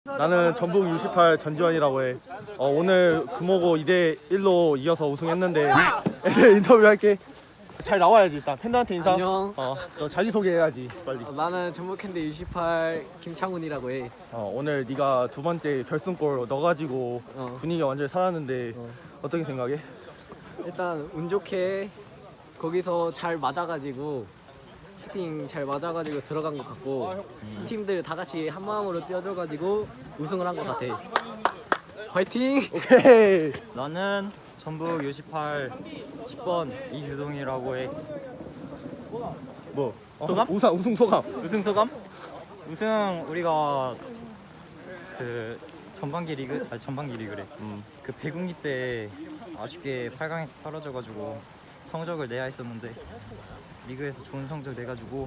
나는 전북 U18 전지환이라고 해. 오늘 금호고 2대1로 이겨서 우승했는데 인터뷰할게. 잘 나와야지. 일단 팬들한테 인사. 안녕. 너 자기소개해야지 빨리. 나는 전북현대 U18 김창훈이라고 해. 오늘 네가 두 번째 결승골 넣어가지고 분위기가 완전히 살았는데 어떻게 생각해? 일단 운 좋게 거기서 잘 맞아가지고 슈팅 잘 맞아가지고 들어간 것 같고 팀들 다 같이 한 마음으로 뛰어줘가지고 우승을 한 것 같아. 화이팅! 오케이. 나는 전북 U18 10번 이규동이라고 해. 뭐? 소감? 우승 소감. 우승 소감? 우승 우리가 그 전반기 리그래. 그 배국리 때 아쉽게 8강에서 떨어져가지고 성적을 내야 했었는데 리그에서 좋은 성적 내가지고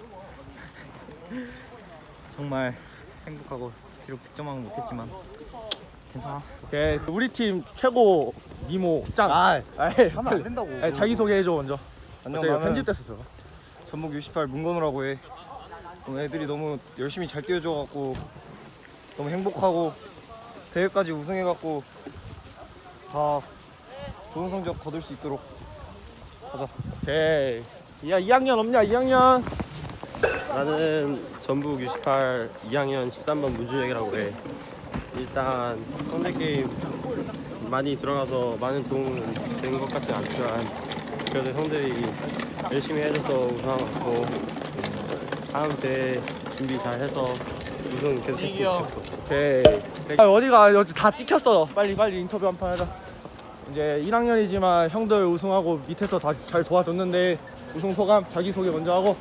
정말 행복하고 비록 득점왕은 못했지만 괜찮아. 오케이. 우리 팀 최고 미모 짱. 하면 안 된다고. 자기 소개해줘 먼저. 안녕, 제가 나는 편집됐었어요. 전북 U18 문건우라고 해. 오늘 애들이 너무 열심히 잘 뛰어줘갖고 너무 행복하고 대회까지 우승해갖고 다 좋은 성적 거둘 수 있도록 하자. 오케이. 야 2학년 없냐? 2학년. 나는 전북 U18 2학년 13번 문준혁이라고 해. 일단 상대 게임 많이 들어가서 많은 도움은 되는 것 같지 않지만 그래도 형들이 열심히 해줘서 우승한 것 같고 다음 대회 준비 잘 해서 우승 계속 했으면 좋겠어. 오케이. 어디가 여기 다 찍혔어. 빨리 인터뷰 한 판 하자. 이제 1학년이지만 형들 우승하고 밑에서 다 잘 도와줬는데 우승 소감 자기 소개 먼저 하고.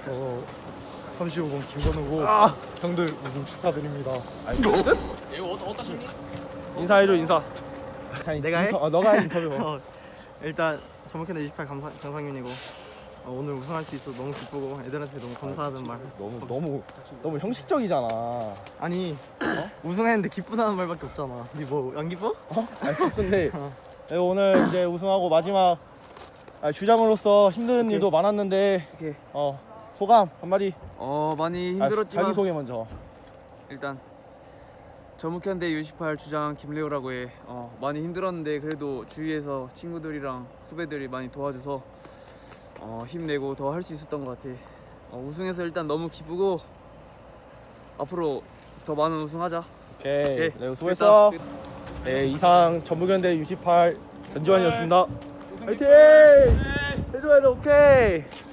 35번 김건우고 형들 우승 축하드립니다. 인사해줘 인사. 내가 해? 너가 인터뷰. 일단 전북현대 28 정상윤이고 오늘 우승할 수 있어서 너무 기쁘고 애들한테 너무 감사하다는 말. 너무 형식적이잖아. 아니 우승했는데 기쁘다는 말밖에 없잖아. 니 뭐 안 기뻐? 근데 오늘 이제 우승하고 마지막 주장으로서 힘든 일도 많았는데 오케이. 소감 한마디. 많이 힘들었지만 자기 소개 먼저. 일단 전북현대 U18 주장 김레오라고 해. 많이 힘들었는데 그래도 주위에서 친구들이랑 후배들이 많이 도와줘서 힘내고 더 할 수 있었던 것 같아. 우승해서 일단 너무 기쁘고 앞으로 더 많은 우승하자. 오케이. 네, 수고했어. 네, 이상 전북현대 U18 전지환이었습니다. 화이팅! 해줘야 돼. 오케이.